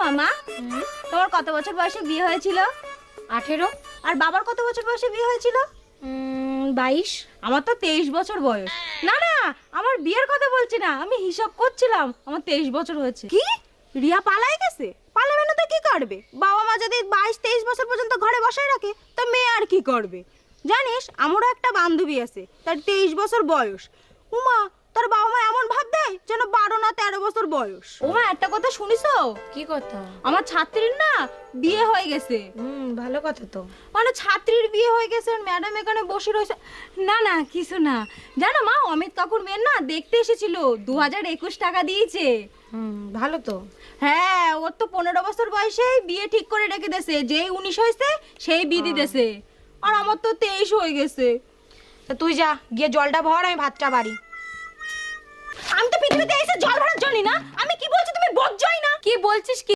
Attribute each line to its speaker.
Speaker 1: মামা, তোমার কত বছর বয়সে বিয়ে হয়েছিল?
Speaker 2: 18।
Speaker 1: আর বাবার কত বছর বয়সে বিয়ে হয়েছিল?
Speaker 2: 22।
Speaker 1: আমার তো 23 বছর বয়স। না না, আমার বিয়ের কথা বলছি না, আমি হিসাব করছিলাম, আমার 23 বছর হয়েছে।
Speaker 3: কি রিয়া পালাই গেছে? পালাবে না তো কি করবে? বাবা মা যদি 22-23 বছর পর্যন্ত ঘরে বসায় রাখে তো মেয়ে আর কি করবে? জানিস, আমারও একটা বান্ধবী আছে, তার 23 বছর বয়স। উমা, তার বাবা মা এমন ভাব দেয় যেন 12 না 13 বছর বয়স।
Speaker 1: ওমা, একটা কথা শুনিছো?
Speaker 2: কি কথা?
Speaker 1: আমার ছাত্রীর না বিয়ে হয়ে গেছে।
Speaker 2: ভালো কথা তো।
Speaker 1: মানে ছাত্রীর বিয়ে হয়ে গেছে, ম্যাডাম এখানে বসে রয়েছে। না না, কিছু না। জানো মা, অমিত কাকুর মেয়ের না দেখতে এসেছিল, 2021 টাকা দিয়েছে।
Speaker 2: ভালো তো।
Speaker 1: হ্যাঁ, ওর তো 15 বছর বয়সে বিয়ে ঠিক করে রেখে দিয়েছে, যেই 19 হয়েছে সেই বিধি দিয়েছে। আর আমার তো 23 হয়ে গেছে।
Speaker 2: তা তুই যা, গিয়ে জলটা ভর, আমি ভাতটা বাড়ি।
Speaker 1: আমি তো পৃথিবীতে এসে জল ভরার জন্য না। আমি কি বলছি তুমি বোঝোই না?
Speaker 2: কি বলছিস?